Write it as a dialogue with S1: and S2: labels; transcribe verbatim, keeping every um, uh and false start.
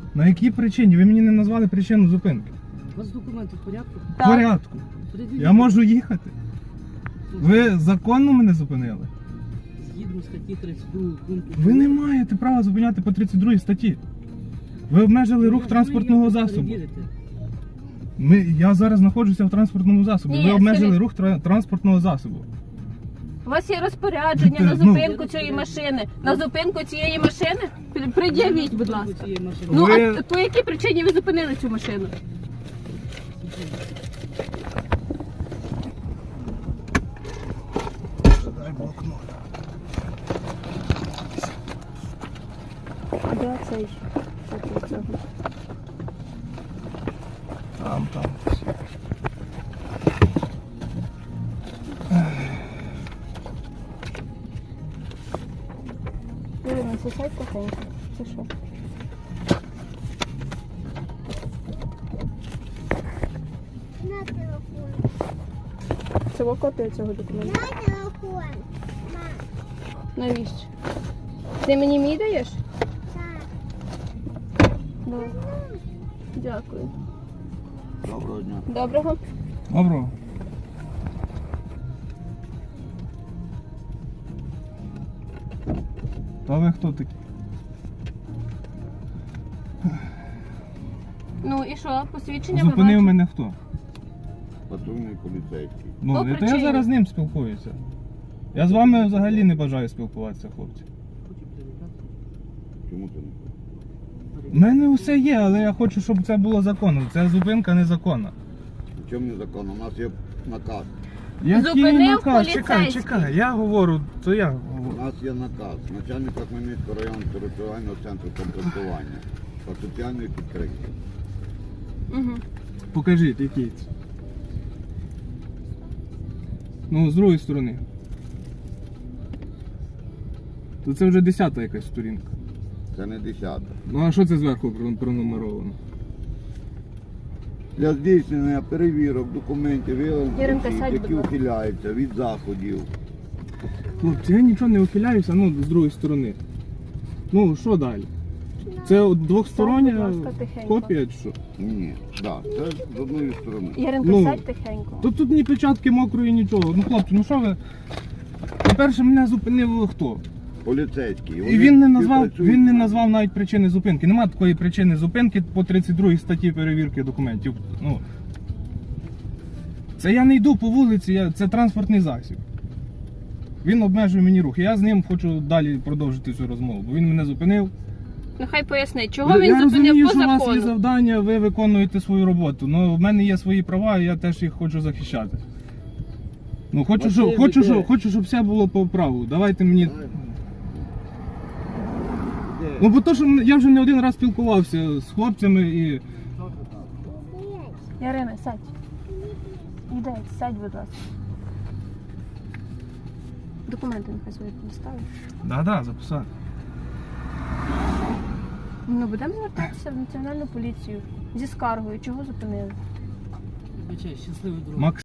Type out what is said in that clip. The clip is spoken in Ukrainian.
S1: На якій причині? Ви мені не назвали причину зупинки.
S2: У вас документи в порядку?
S1: В порядку.
S2: Пред'явіть.
S1: Я можу їхати. Ви законно мене зупинили?
S2: Згідно статті тридцять два пункту.
S1: Ви не маєте права зупиняти по тридцять другій статті. Ви обмежили рух
S2: Ви
S1: транспортного
S2: як
S1: засобу.
S2: перевірите?
S1: Ми, я зараз знаходжуся в транспортному засобі.
S3: Ні,
S1: Ви обмежили
S3: скажіть.
S1: рух тра- транспортного засобу.
S3: У вас є розпорядження на
S1: Ну.
S3: зупинку цієї машини. На зупинку цієї машини? При- Пред'явіть, будь ласка.
S2: Цієї машини.
S3: Ну,
S1: Ви-
S3: а по якій причині ви зупинили цю машину?
S1: Дай блокнот.
S3: Де цей?
S1: Там, там.
S3: Ірина, це сайт тихенько. Це що?
S4: На телефон.
S3: Це копія цього документу.
S4: На телефон. Мам,
S3: Навіщо? Ти мені мій даєш?
S4: так.
S3: Да. Дякую.
S5: Доброго дня.
S3: Доброго.
S1: Добро. Та ви хто такі?
S3: Ну і що? Посвідчення
S1: Зупинив
S3: ви
S1: мене хто?
S5: Патрульний поліцейський.
S1: Ну,
S3: По
S1: то я
S3: причині. зараз
S1: зараз з ним спілкуюся. Я з вами взагалі не бажаю спілкуватися, хлопці.
S2: Хочу перевіряти.
S5: Чому ти не хочеш?
S1: У мене все є, але я хочу, щоб це було законно. Ця зупинка незаконна.
S5: У чому незаконно? У нас є наказ.
S1: Який
S3: Зупинив
S1: наказ? Чекай,
S3: поліцейський.
S1: чекай, я говорю, то я
S5: У
S1: говорю.
S5: нас є наказ начальника Хмельницького районного територіального центру комплектування та соціальної підтримки.
S3: Угу.
S1: Покажіть, який це. Ну, з другої сторони. То це вже десята якась сторінка.
S5: Це не десята.
S1: Ну а що це зверху про- пронумеровано?
S5: Для здійснення перевірок документів виявлень
S3: Яринка,
S5: осіб,
S3: сядь,
S5: які
S3: будь ласка.
S5: ухиляються від заходів.
S1: Хлопці, я нічого не ухиляюся, ну, з другої сторони. Ну, що далі? Це от двохстороння
S3: Сядь, будь ласка, тихенько.
S1: копія чи що?
S5: Ні, так, це з одної сторони.
S3: Яринко,
S1: Ну,
S3: сядь тихенько.
S1: Тут тут ні печатки мокрої, нічого. Ну, хлопці, ну що ви? По-перше, мене зупинив хто?
S5: Поліцейський.
S1: І він не назвав,
S5: співпрацюють
S1: він не
S5: з нами.
S1: назвав навіть причини зупинки. Нема такої причини зупинки по тридцять другій статті перевірки документів. Ну, це я не йду по вулиці, я, це транспортний засіб. Він обмежує мені рух. Я з ним хочу далі продовжити цю розмову, бо він мене зупинив.
S3: Ну хай поясни, чого він
S1: я
S3: зупинив
S1: розумію,
S3: по
S1: що у вас є
S3: закону?
S1: завдання, ви виконуєте свою роботу. Ну, в мене є свої права, і я теж їх хочу захищати. Ну, хочу, щоб,
S2: Василь,
S1: хочу,
S2: де?
S1: щоб, хочу, щоб все було по праву. Давайте мені.
S5: Де?
S1: Ну, бо то, що я вже не один раз спілкувався з хлопцями і.
S3: Ярина, сядь. Іди, сядь, будь ласка. Документи нехай свої поставиш.
S1: Да, да, записати.
S3: Ну, будемо звертатися в національну поліцію зі скаргою, чого зупинили.
S2: Вибачай, щасливий дорог.
S1: Макс.